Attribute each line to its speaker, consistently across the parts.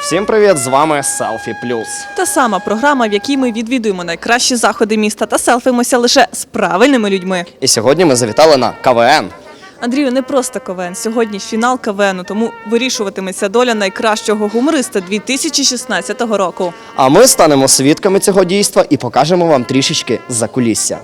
Speaker 1: Всім привіт, з вами Селфі Плюс.
Speaker 2: Та сама програма, в якій ми відвідуємо найкращі заходи міста та селфимося лише з правильними людьми.
Speaker 1: І сьогодні ми завітали на КВН.
Speaker 2: Андрію, не просто КВН, сьогодні фінал КВНу, тому вирішуватиметься доля найкращого гумориста 2016 року.
Speaker 1: А ми станемо свідками цього дійства і покажемо вам трішечки закулісся.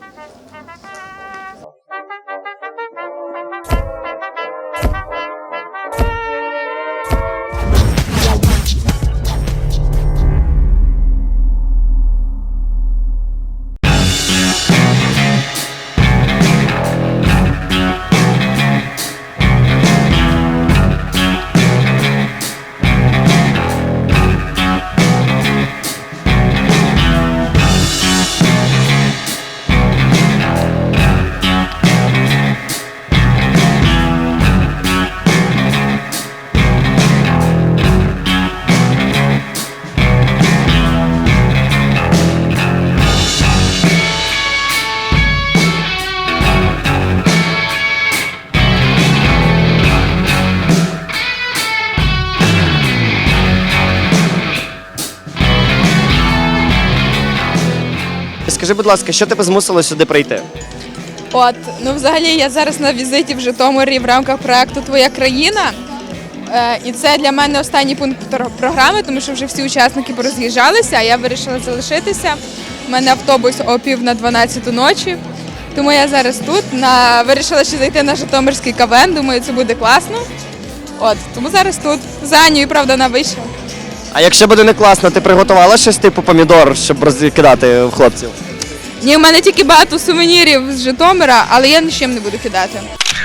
Speaker 1: Скажи, будь ласка, що тебе змусило сюди прийти?
Speaker 3: Взагалі я зараз на візиті в Житомирі в рамках проекту «Твоя країна». І це для мене останній пункт програми, тому що вже всі учасники пороз'їжджалися, а я вирішила залишитися. У мене автобус о 11:50 ночі, тому я зараз тут. Вирішила ще зайти на Житомирський КВН, думаю, це буде класно. Тому зараз тут. За Анею, правда, вона вийшла.
Speaker 1: А якщо буде не класно, ти приготувала щось типу помідор, щоб розкидати в хлопців?
Speaker 3: Ні, у мене тільки багато сувенірів з Житомира, але я нічим не буду кидати.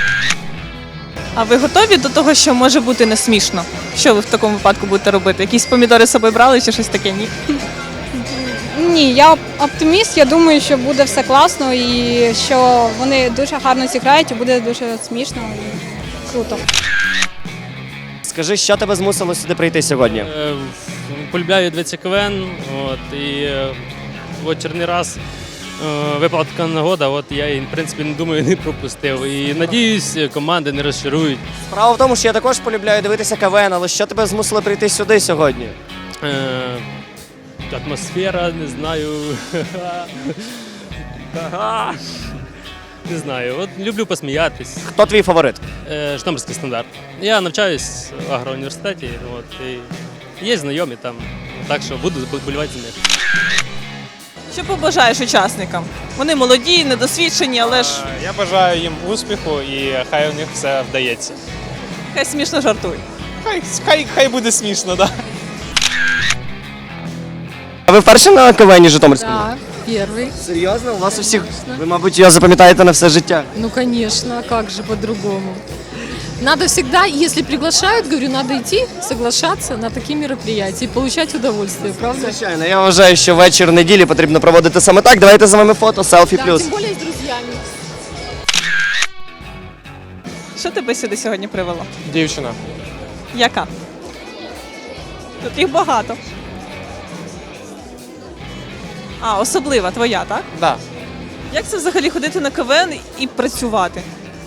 Speaker 2: А ви готові до того, що може бути не смішно? Що ви в такому випадку будете робити? Якісь помідори з собою брали чи щось таке? Ні?
Speaker 4: Ні, я оптиміст, я думаю, що буде все класно і що вони дуже гарно зіграють і буде дуже смішно і круто.
Speaker 1: Скажи, що тебе змусило сюди прийти сьогодні?
Speaker 5: Полюбляю дивитися КВН, і черний раз випала така нагода, я її, в принципі, не думаю, не пропустив. І надіюсь, команди не розчарують.
Speaker 1: Справа в тому, що я також полюбляю дивитися КВН, але що тебе змусило прийти сюди сьогодні?
Speaker 5: Атмосфера, не знаю. Не знаю, люблю посміятись.
Speaker 1: Хто твій фаворит?
Speaker 5: Житомирський стандарт. Я навчаюсь в агроуніверситеті, і є знайомі там, так що буду болювати за них.
Speaker 2: Що побажаєш учасникам? Вони молоді, недосвідчені, але ж
Speaker 6: Я бажаю їм успіху і хай у них все вдається.
Speaker 2: хай смішно жартують.
Speaker 6: Хай буде смішно, так.
Speaker 1: А ви вперше на КВНі Житомирському?
Speaker 7: Да, первый.
Speaker 1: Серйозно? У вас у всіх, ви, мабуть, його запам'ятаєте на все життя.
Speaker 7: Ну, конечно, а как же по-другому? Надо всегда, если приглашают, говорю, надо идти, соглашаться на такие мероприятия и получать удовольствие, правда?
Speaker 1: Звичайно, я вважаю, що вечір неділі потрібно проводити саме так. Давайте з вами фото, селфі
Speaker 7: Да,
Speaker 1: плюс.
Speaker 7: тем более с друзьями.
Speaker 2: Що тебе сюди сьогодні привело?
Speaker 6: Дівчина.
Speaker 2: Яка? Тут їх багато. А, особлива твоя, так?
Speaker 6: Да.
Speaker 2: Як це взагалі ходити на КВН і працювати?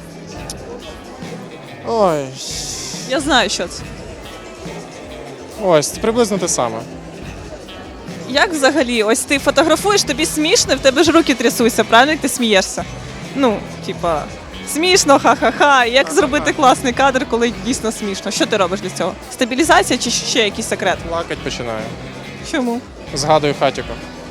Speaker 6: Ой,
Speaker 2: Я знаю, що це.
Speaker 6: ось, приблизно те саме.
Speaker 2: Як взагалі? Ось ти фотографуєш, тобі смішно, в тебе ж руки трясуться, правильно, як ти смієшся? Ну, типа, смішно, ха-ха-ха. Як зробити класний кадр, коли дійсно смішно? Що ти робиш для цього? Стабілізація чи ще якийсь секрет?
Speaker 6: Плакать починаю.
Speaker 2: Чому?
Speaker 6: Згадую хатіку.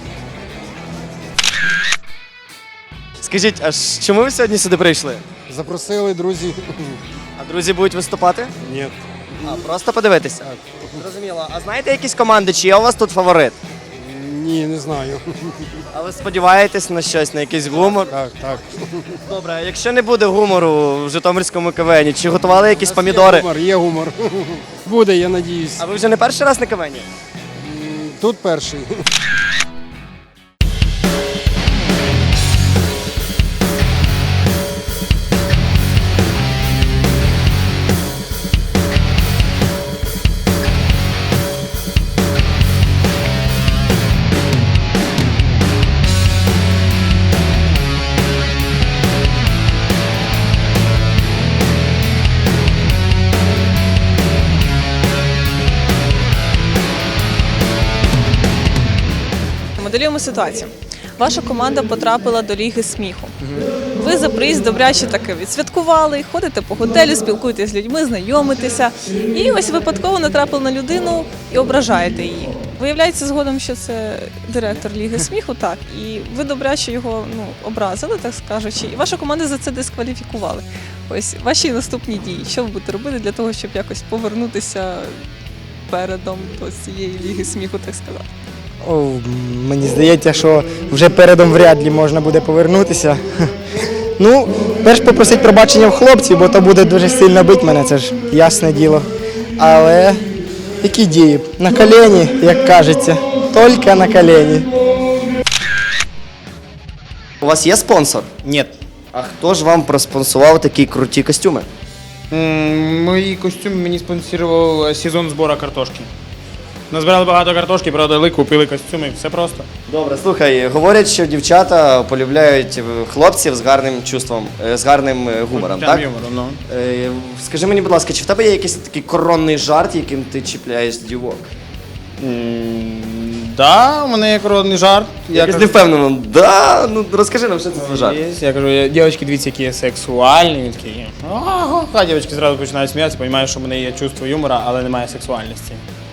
Speaker 1: Скажіть, а чому ви сьогодні сюди прийшли?
Speaker 8: Запросили друзі.
Speaker 1: А друзі будуть виступати?
Speaker 8: Ні.
Speaker 1: А, просто подивитися? Зрозуміло. А знаєте якісь команди, чи є у вас тут фаворит?
Speaker 8: Ні, не знаю.
Speaker 1: А ви сподіваєтесь на щось, на якийсь гумор?
Speaker 8: Так.
Speaker 1: Добре, а якщо не буде гумору в Житомирському КВНі, чи готували якісь помідори?
Speaker 8: Є гумор. Буде, я надіюсь.
Speaker 1: А ви вже не перший раз на КВНі?
Speaker 8: Тут перший.
Speaker 2: Моделюємо ситуацію. Ваша команда потрапила до Ліги сміху. Ви за приїзд добряче таки відсвяткували, ходите по готелю, спілкуєтесь з людьми, знайомитеся. І ось випадково натрапили на людину і ображаєте її. Виявляється згодом, що це директор Ліги сміху, так. І ви добряче його образили, так скажучи, і вашу команду за це дискваліфікували. Ось ваші наступні дії. Що ви будете робити для того, щоб якось повернутися передом до цієї Ліги сміху, так сказати?
Speaker 9: Мені здається, що вже передом вряд ли можна буде повернутися. Ну, перш попросити пробачення в хлопців, бо то буде дуже сильно бити мене, це ж ясне діло. Але які дії? На колені, як кажеться, тільки на колені.
Speaker 1: У вас є спонсор?
Speaker 10: Нет.
Speaker 1: А хто ж вам проспонсував такі круті костюми?
Speaker 10: Мої костюми мені спонсорував сезон збору картошки. Назбирали багато картошки, продали, купили костюми, все просто.
Speaker 1: Добре, слухай, говорять, що дівчата полюбляють хлопців з гарним чувством, з гарним гумором, так?
Speaker 10: Ну.
Speaker 1: Скажи мені, будь ласка, чи в тебе є якийсь такий коронний жарт, яким ти чіпляєш дівок?
Speaker 10: Да, у мене є коронний жарт.
Speaker 1: Якось не впевнено. Да, ну розкажи нам, що це за жарт.
Speaker 10: Я кажу, дівчатки, дивіться, які я сексуальні. Він такий, ага. А дівчатки зразу починають сміятися, розуміють, що в мене є чувство юмора, але немає сексуальності.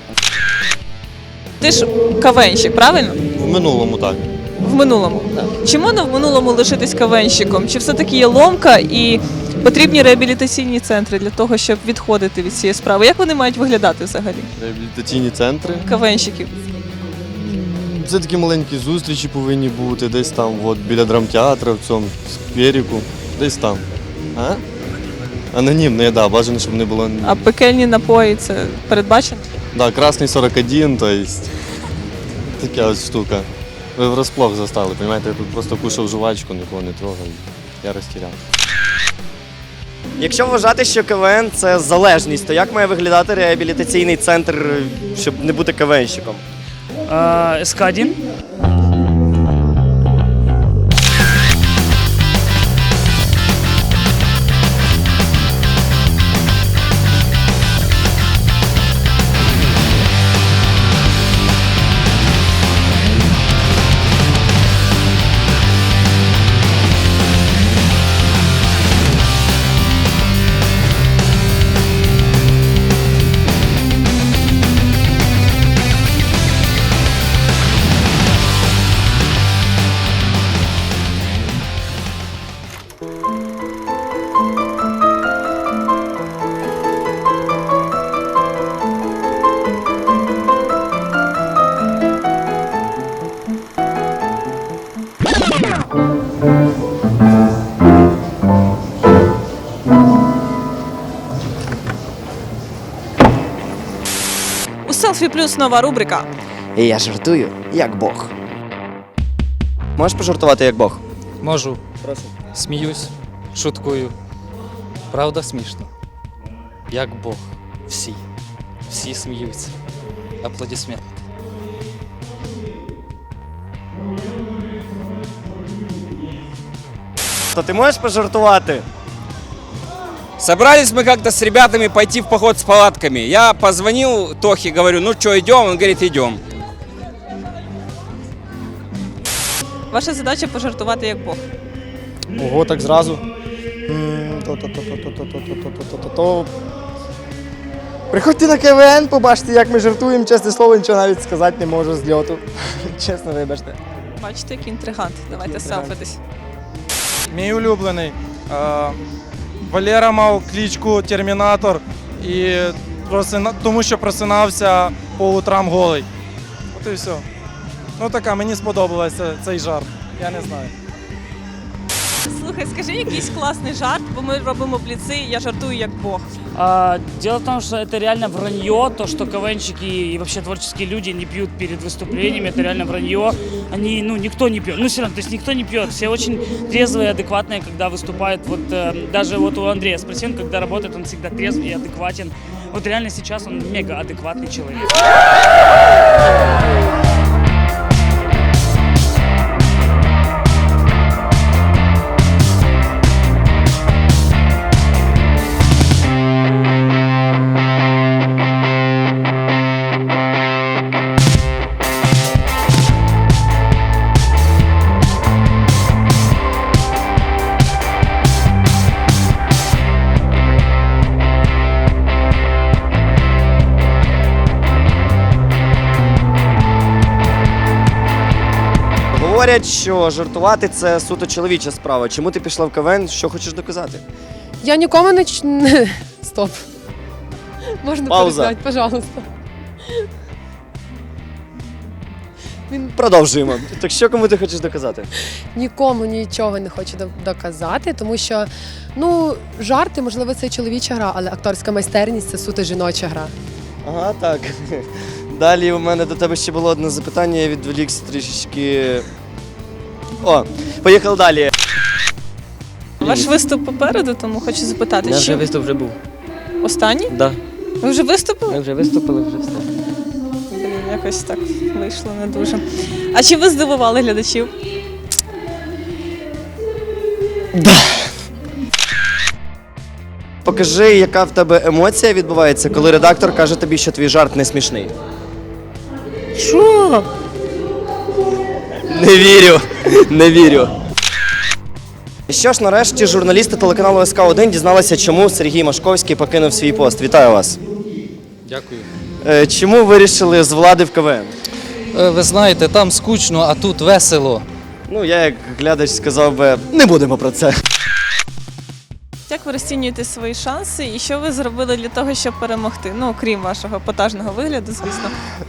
Speaker 2: Ти ж кавенщик, правильно?
Speaker 11: В минулому так.
Speaker 2: В минулому. Чи можна в минулому лишитись кавенщиком? Чи все-таки є ломка і потрібні реабілітаційні центри для того, щоб відходити від цієї справи? Як вони мають виглядати взагалі?
Speaker 11: Реабілітаційні центри.
Speaker 2: Кавенщиків.
Speaker 11: Це такі маленькі зустрічі повинні бути, десь там, от, біля драмтеатру, в цьому скверіку, десь там. А? Анонімно, да, бажано, щоб не було.
Speaker 2: А пекельні напої це передбачено?
Speaker 11: Да, красний 41, то есть така ось штука. Ви врасплох застали, розумієте, я тут просто кушав жувачку, нікого не трогав, я розтіряв.
Speaker 1: Якщо вважати, що КВН – це залежність, то як має виглядати реабілітаційний центр, щоб не бути КВНщиком?
Speaker 12: СК-1.
Speaker 2: У Селфі Плюс нова рубрика.
Speaker 1: І я жартую, як Бог. Можеш пожартувати, як Бог?
Speaker 13: Можу.
Speaker 1: Прошу.
Speaker 13: Сміюсь, шуткую. Правда смішно. Як Бог. Всі. Всі сміються. Аплодисменти.
Speaker 1: То ти можеш пожартувати?
Speaker 14: Собрались мы как-то с ребятами пойти в поход с палатками. Я позвонил Тохе, говорю, ну что, идем? Он говорит, идем.
Speaker 2: Ваша задача пожартувати як Бог.
Speaker 9: Ого, так зразу. Приходьте на КВН, побачите, як ми жартуємо, чесне слово, нічого навіть сказати не можу з льоту. Чесно, вибачте.
Speaker 2: Бачите, який інтригант. Давайте селфитись.
Speaker 15: Мій улюблений. Валера мав кличку Термінатор, і тому що просинався по утрам голий. От і все. Ну така, мені сподобався цей жарт. Я не знаю.
Speaker 2: Слухай, скажи якийсь класний жарт, бо ми робимо бліци, я жартую як Бог.
Speaker 12: Дело в том, что это реально вранье, то, что КВНщики и вообще творческие люди не пьют перед выступлениями, это реально вранье. Они, никто не пьет, все равно, то есть никто не пьет, все очень трезвые, адекватные, когда выступают. Вот даже вот у Андрея спросил, когда работает, он всегда трезвый и адекватен. Вот реально сейчас он мега адекватный человек.
Speaker 1: говорять, що жартувати це суто чоловіча справа. Чому ти пішла в КВН? Що хочеш доказати?
Speaker 7: Я нікому Стоп. Можна
Speaker 1: Пауза.
Speaker 7: перестати, пожалуйста.
Speaker 1: Продовжуємо. Так що кому ти хочеш доказати?
Speaker 7: Нікому нічого не хочу доказати, тому що, жарти, можливо, це і чоловіча гра, але акторська майстерність – це суто жіноча гра.
Speaker 1: Ага, так. Далі у мене до тебе ще було одне запитання, я відволікся трішечки. Поїхали далі.
Speaker 2: Ваш виступ попереду, тому хочу запитати, чи
Speaker 16: виступ вже був.
Speaker 2: останній?
Speaker 16: Да.
Speaker 2: Ви вже виступили?
Speaker 16: Ми вже виступили, вже все.
Speaker 2: Блін, якось так вийшло не дуже. А чи ви здивували глядачів?
Speaker 1: Покажи, яка в тебе емоція відбувається, коли редактор каже тобі, що твій жарт не смішний.
Speaker 2: Що?
Speaker 1: Не вірю. Що ж, нарешті журналісти телеканалу СК1 дізналися, чому Сергій Машковський покинув свій пост. Вітаю вас.
Speaker 13: Дякую.
Speaker 1: Чому вирішили з влади в КВН?
Speaker 13: Ви знаєте, там скучно, а тут весело.
Speaker 1: Я як глядач сказав би, не будемо про це.
Speaker 2: Як ви розцінюєте свої шанси і що ви зробили для того, щоб перемогти? Крім вашого епатажного вигляду, звісно.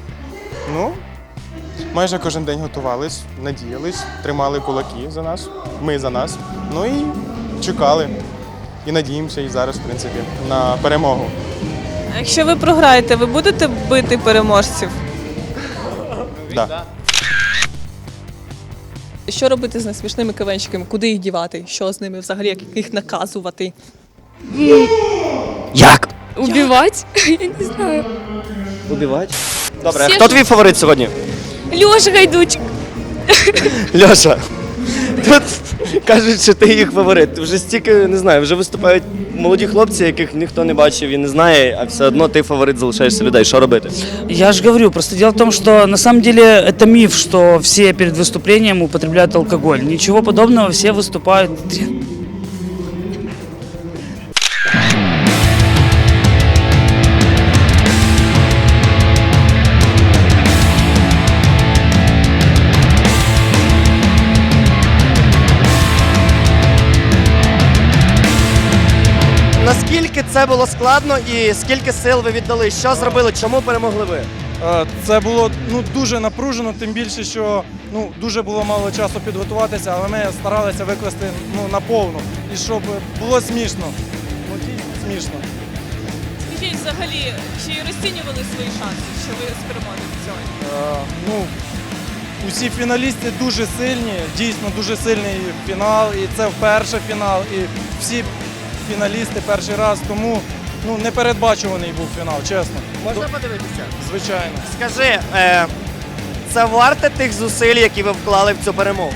Speaker 6: Майже кожен день готувались, надіялись, тримали кулаки за нас, ми за нас. І чекали. І надіємося і зараз, в принципі, на перемогу.
Speaker 2: А якщо ви програєте, ви будете бити переможців?
Speaker 6: Да.
Speaker 2: Що робити з несмішними КВНщиками? Куди їх дівати? Що з ними взагалі, як їх наказувати?
Speaker 1: Як?
Speaker 3: Убивать? Я не знаю.
Speaker 1: Убивати? Добре,
Speaker 3: Всі
Speaker 1: хто
Speaker 3: ж-
Speaker 1: твій фаворит сьогодні?
Speaker 3: Льоша Гайдучик.
Speaker 1: Льоша, тут кажуть, що ти їх фаворит. Вже стільки, не знаю, вже виступають молоді хлопці, яких ніхто не бачив і не знає, а все одно ти фаворит залишаєшся людей. Що робити?
Speaker 12: Я же говорю, просто дело в том, что на самом деле это миф, что все перед выступлением употребляют алкоголь. Ничего подобного, все выступают.
Speaker 1: Наскільки це було складно і скільки сил ви віддали? Що зробили? Чому перемогли ви?
Speaker 15: Це було дуже напружено, тим більше, що дуже було мало часу підготуватися, але ми старалися викласти наповну. І щоб було смішно. Дійсно смішно.
Speaker 2: Скажіть взагалі, чи розцінювали свої шанси, що ви переможете сьогодні?
Speaker 15: Усі фіналісти дуже сильні, дійсно дуже сильний фінал, і це вперше фінал, і всі фіналісти перший раз, тому непередбачуваний був фінал, чесно.
Speaker 1: Можна подивитися?
Speaker 15: Звичайно.
Speaker 1: Скажи, це варте тих зусиль, які ви вклали в цю перемогу?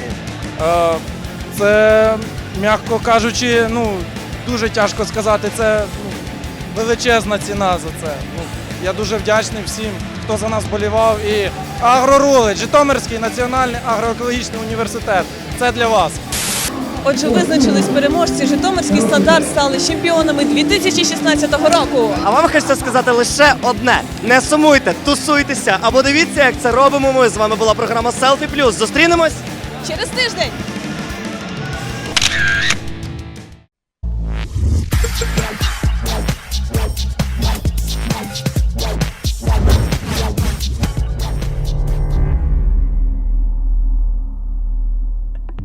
Speaker 15: Це, м'яко кажучи, дуже тяжко сказати, це величезна ціна за це. Я дуже вдячний всім, хто за нас болівав. І Агрорулить, Житомирський національний агроекологічний університет. Це для вас.
Speaker 2: Отже, визначились переможці. Житомирський стандарт стали чемпіонами 2016 року.
Speaker 1: А вам хочеться сказати лише одне: не сумуйте, тусуйтеся або дивіться, як це робимо ми. З вами була програма Селфі Плюс. Зустрінемось
Speaker 2: Через тиждень!